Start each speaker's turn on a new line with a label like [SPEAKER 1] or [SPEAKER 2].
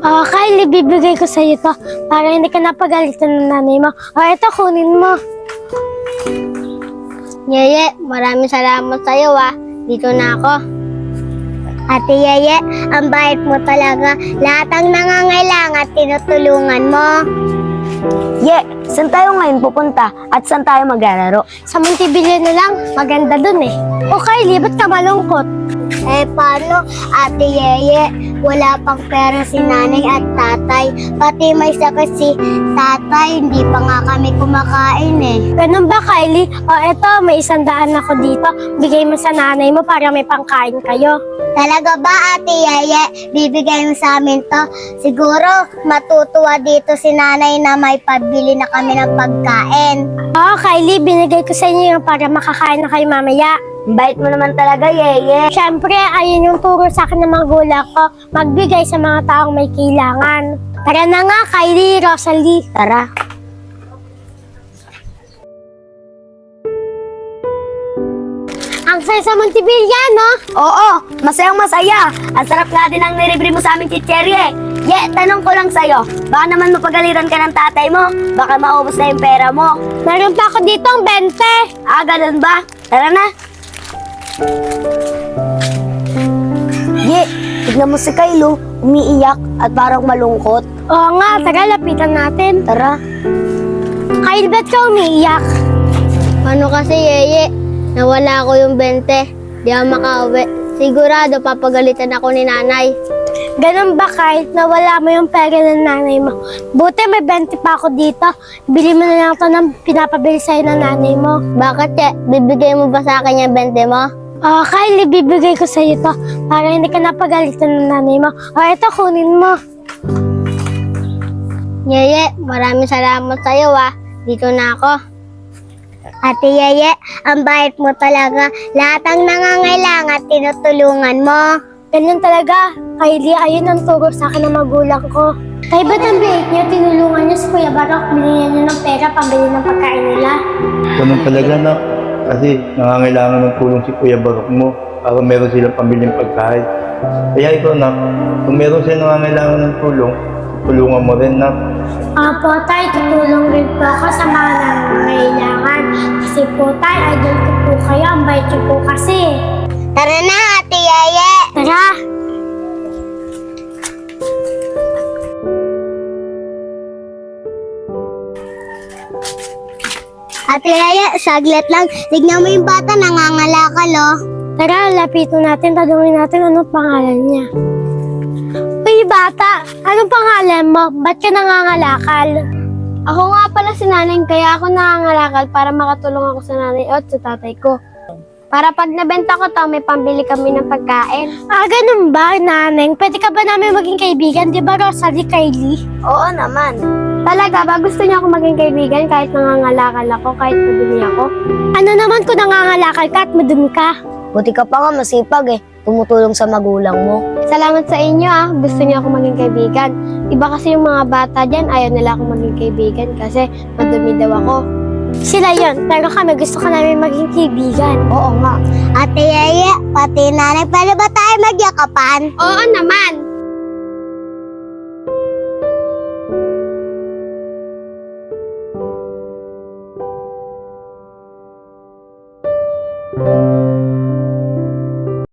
[SPEAKER 1] Kylie, bibigay ko sa'yo to para hindi ka napagalitan ng nanay mo. Ito, kunin mo.
[SPEAKER 2] Yeye, maraming salamat sa'yo Dito na ako. Ate Yeye, ang bait mo talaga. Lahat ang nangangailangan tinutulungan mo.
[SPEAKER 3] Saan tayo ngayon pupunta at saan tayo maglalaro?
[SPEAKER 1] Sa Montebello na lang, maganda dun eh. Kylie, ba't ka malungkot?
[SPEAKER 2] Paano, Ate Yeye? Wala pang pera si nanay at tatay. Pati may sakit si tatay, hindi pa nga kami kumakain eh.
[SPEAKER 1] Ganun ba, Kylie? Eto, may 100 ako dito. Bigay mo sa nanay mo para may pangkain kayo.
[SPEAKER 2] Talaga ba, Ate Yeye? Bibigay mo sa amin to? Siguro, matutuwa dito si nanay na may pabili na kami ng pagkain.
[SPEAKER 1] Kylie, binigay ko sa inyo yung para makakain na kayo mamaya.
[SPEAKER 3] Bait mo naman talaga, Yeye.
[SPEAKER 1] Siyempre, ayun yung turo sa akin ng mga magulang ko. Magbigay sa mga taong may kailangan. Tara na nga, Kylie, Rosalie.
[SPEAKER 3] Tara.
[SPEAKER 1] Ang saya sa Montebello, no?
[SPEAKER 3] Oo, masayang masaya. Ang sarap nga din ang nilibre mo sa aming chicherye. Tanong ko lang sa'yo. Baka naman mapagalitan ka ng tatay mo. Baka maubos na yung pera mo.
[SPEAKER 1] Meron pa ako dito ang 20.
[SPEAKER 3] Ganun ba? Tara na. Tignan mo si Kylo. Umiiyak at parang malungkot.
[SPEAKER 1] Oo nga, tara, lapitan natin.
[SPEAKER 3] Tara.
[SPEAKER 1] Kyle, ba't ka umiiyak?
[SPEAKER 2] Ano kasi, Yeye? Nawala ko yung 20. Di ako makauwi. Sigurado papagalitan ako ni nanay.
[SPEAKER 1] Ganun ba, Kyle? Nawala mo yung pera ng nanay mo. Buti may 20 pa ako dito. Bili mo na lang ito ng pinapabili sa'yo ng nanay mo.
[SPEAKER 2] Bakit, Che? Bibigay mo ba sa akin yung 20 mo?
[SPEAKER 1] Kyle, bibigay ko sa'yo to para hindi ka napagalitan ng nanay mo. Ito, kunin mo.
[SPEAKER 2] Yeye, maraming salamat sa'yo Dito na ako. Ate Yeye, ang bait mo talaga. Lahat ang nangangailangan tinutulungan mo.
[SPEAKER 1] Ganyan talaga. Kylie, ayun ang turo sa akin ng magulang ko. Kaya ba't ang bait niyo? Tinulungan niyo si Kuya Barok. Binigyan niyo ng pera pambili ng pagkain nila.
[SPEAKER 4] Ganun talaga na. Kasi nangangailangan ng tulong si Kuya Barok mo para meron silang pambiling pagkain. Kaya ikaw na, kung meron silang nangangailangan ng tulong, tulungan mo rin na.
[SPEAKER 1] Po, tay, tutulong rin po ako sa mga nangangailangan. Kasi po, tay, idol ko po kayo. Ang bait niyo po kasi.
[SPEAKER 2] Tara na, Ate Yeye!
[SPEAKER 1] Tara!
[SPEAKER 2] Ate Yeye, saglit lang. Tignan mo yung bata, nangangalakal
[SPEAKER 1] Tara, lapitan natin. Tanungin natin anong pangalan niya. Uy, bata! Anong pangalan mo? Ba't ka nangangalakal?
[SPEAKER 2] Ako nga pala si nanay, kaya ako nangangalakal para makatulong ako sa nanay at sa tatay ko. Para pag nabenta ko to, may pambili kami ng pagkain.
[SPEAKER 1] Ganun ba, naneng? Pwede ka ba namin maging kaibigan? Di ba, Rosalie, Kylie?
[SPEAKER 3] Oo naman.
[SPEAKER 2] Talaga ba? Gusto niyo ako maging kaibigan kahit nangangalakal ako, kahit madumi ako?
[SPEAKER 1] Ano naman kung nangangalakal ka at madumi ka?
[SPEAKER 3] Buti ka pa nga masipag tumutulong sa magulang mo.
[SPEAKER 2] Salamat sa inyo Gusto niyo ako maging kaibigan. Iba kasi yung mga bata dyan, ayaw nila ako maging kaibigan kasi madumi daw ako.
[SPEAKER 1] Sila yon, pero kami gusto ka namin maging kaibigan.
[SPEAKER 3] Oo nga.
[SPEAKER 2] Ate Yeye, pati nanay, pwede ba tayo magyakapan? Oo naman.